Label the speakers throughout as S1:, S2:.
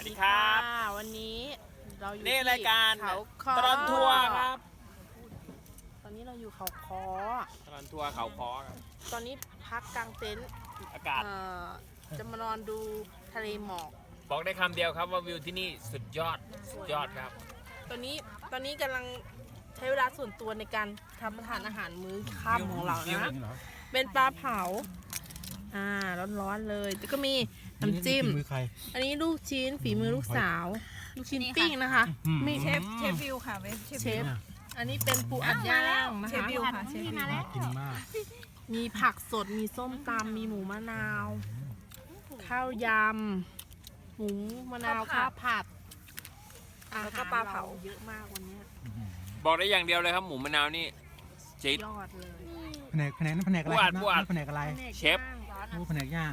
S1: ดีครับ
S2: วันนี้เราอยู่
S1: นี่รายการ
S2: เขาคอ
S1: ตลอดทัวร์ครับ
S2: ตอนนี้เราอยู่เขาคอ
S1: ตลอดทัวร์เขาคอครับ
S2: ตอนนี้พักกลางเต็นท์
S1: อากาศ
S2: จะมานอนดูทะเลหมอก
S1: บอกได้คำเดียวครับว่าวิวที่นี่สุดยอดสุดยอดครับ
S2: ตอนนี้กำลังใช้เวลาส่วนตัวในการทำทานอาหารมื้อค่ำของเรานะเป็นปลาเผาร้อนๆเลยแล้วก็มีน้ำจิ้ม
S3: มือใคร
S2: อันนี้ลูกชิ้นฝีมือลูกสาว ลูกชิ้นปิ้งนะคะ มี
S4: เชฟวิวค่ะเชฟ
S2: อันนี้เป็นปูอัดย่างนะ
S4: เชฟ
S2: คะ
S4: วิวค่ะเชฟวิว
S3: น่ากินมาก
S2: มีผักสด มีส้มตำมีหมูมะนาว ข้าวยำ หมูมะนาวข้าวผัด
S4: แล้วก็ปลาเผา
S2: เยอะมากวันนี้
S1: บอกได้อย่างเดียวเลยครับหมูมะนาวนี่จี๊ด
S2: ยอดเลย
S3: แผนกนั้นแผนกอะไร
S1: ปูอัด
S3: แผนกอะไร
S1: เชฟ
S3: โอ้แผนกย่าง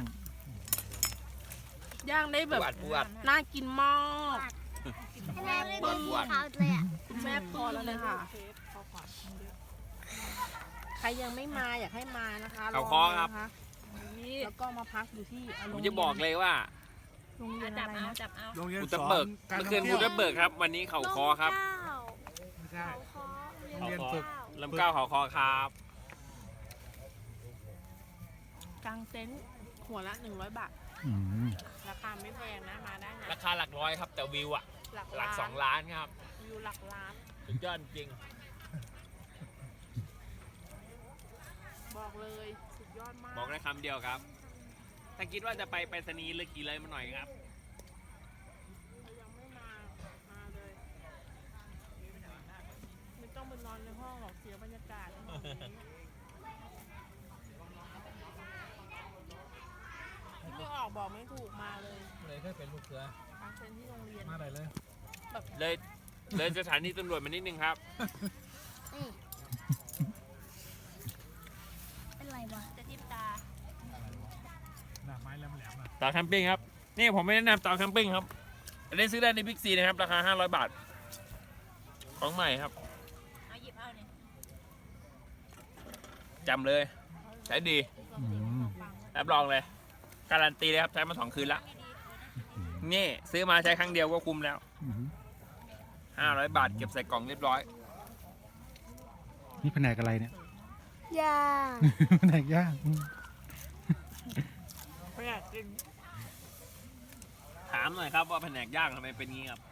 S2: ย่างได้แบบ
S1: ปูอัด
S2: น่ากินมาก
S5: แม่ไม่ได้
S1: ปูอัด
S5: เขาเลยอ่ะ
S2: คุณแม่พอแล้วเลยค่ะ ใครยังไม่มาอยากให้มานะคะ
S1: เขาคอครับ
S2: ลงมานะคะแล้วก็มาพักอยู่ที่
S1: ผมจะบอกเลยว่า
S2: โรงเรียนอะไรนะ
S4: จับเอา
S3: โรงเรียน
S1: ภู
S3: ส
S1: ทับ
S3: อน
S1: เบิก
S3: การ
S1: เมื่อ
S3: ท่
S1: คื
S3: อน ง
S1: ภู
S3: เที่ยว
S1: ทับเบิกครับ วันนี้เขาคอครับ
S3: ไม่ใช่
S5: เขาคอ
S3: โรงเรียนฝึก
S1: ลำเก้าเขาคอครับ
S2: กลางเต็นท์หัวละ100 บาท
S3: อืม
S2: ราคาไม่แพงนะ มาได้นะ
S1: ราคาหลักร้อยครับแต่วิวอะ
S2: หลัก
S1: หลัก
S2: ล้าน
S1: 2 ล้านครับ
S2: วิวหลักล้าน
S1: สุดยอดจริง
S2: บอกเลยสุดยอดมาก
S1: บอกได้คำเดียวครับ ถ้าคิดว่าจะไปไปรษณีย์เลือกกี่เลยมาหน่อยครับ
S2: ถ้ายังไม่มา มาเลย ไม่ต้องไปนอนในห้องหรอกเสียบรรยากาศไม่ออกบอกไม่ถูกมาเลย
S3: เลยก็เป็นลูกเสือก
S2: ลางเต็นท์ที่โรงเรียน
S3: มาได้เลย
S1: เลยสถานีตำรวจมานิดนึงครับ
S5: เป็นไรวะ
S4: จะทิพตา
S3: หน้าไม้แหลมๆอ่ะ
S1: เต่าแคมปิ้งครับ นี่ผมไม่แนะนำเต่าแคมปิ้งครับอันนี้ซื้อได้ในบิ๊กซีนะครับ ราคา 500 บาท ของใหม่ครับ
S4: เอาหยิบเอาเนี่ย
S1: จำเลย ใช้ดี
S3: อืม
S1: รับรองเลย การันตีเลยครับ ใช้มา 2 คืนแล้ว นี่ซื้อมาใช้ครั้งเดียวก็คุ้มแล้ว
S3: อืม
S1: 500 บาท เก็บใส่กล่องเรียบร้อย
S3: นี่แผนกอะไรเนี่ย
S5: ย่า
S3: แผนกย่างอืม
S2: ไม่อยากกิน
S1: ถามหน่อยครับว่าแผนกย่างทำไมเป็นงี้ครับ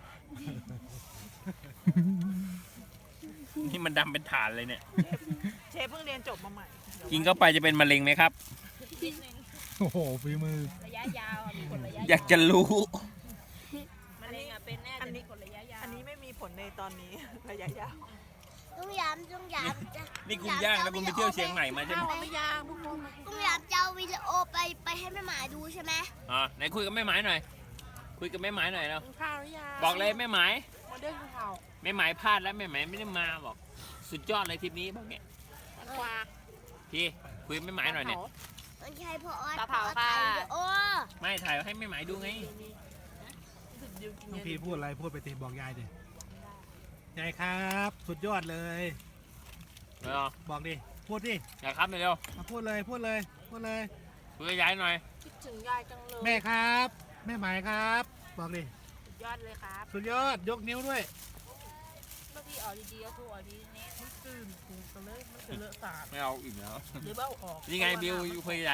S1: นี่มันดำเป็นฐานเลยเนี่ย
S4: เชฟเพิ่งเรียนจบมาใหม่
S1: กินเข้าไปจะเป็นมะเร็งไหมครับ
S3: โอ้โหฝีมือ
S4: ระยะยาวมีผลระยะ
S1: อยากจะรู้
S4: มะเร็งเป็นแน่แต่มีผลระยะยาว
S6: อันนี้ไม่มีผลในตอนนี้ ระยะยาว
S5: ต้องย้ำต้องย้ำ
S1: นี่คุณย่างแล้วคุณไปเที่ยวเชียงใหม่มาใช่ไหม
S2: ไม่ยากพวกคุณ
S5: ต้องย้ำจะเอาวิดีโอไปให้แม่หมายดูใช่ไหม
S1: อ๋อไหนคุยกับแม่หมายหน่อย คุยกับแม่หมายหน่อยเนาะ
S2: กินข้าวหรือยัง
S1: บอกเลยแม่หมาย
S2: มาเด้งข้าว
S1: แม่หมายพลาดแล้วแม่หมายไม่ได้มาบอก สุดยอดเลยทริปนี้บอกเนี่ย
S2: ควา
S1: พี่คุยกับแม่หมายหน่อยเนี่ย
S5: มันใช่พอออ
S4: ปลาเผาค่ะ
S5: ถ่ายวิดีโอ
S1: ไม่ถ่ายให้แม่หมายดูไง
S3: น้องพีพูดอะไรพูดไปติบอกยายดิยายครับ สุดยอดเลย
S1: เร็ว
S3: บอกดิพูดดิ
S1: อย่าครับเร็ว
S3: มาพูดเลยพูดเลยพูดเลย
S1: คุยกับยายหน่อย
S2: คิดถึงยายจังเลย
S3: แม่ครับ แม่หมายครับ บอกดิ
S2: สุดยอดเลยครับ
S3: สุดยอดยกนิ้วด้วย
S4: เมื่อกี้ออกดีๆก็ถูกออกดีๆเนี่ย
S2: ตื่นกูกันเลยไม่เคยเลอะสาด
S1: ไม่เอาอีกแล้ว
S2: หรือเบ้าออก
S1: นี่ไงบิวคุยกับยาย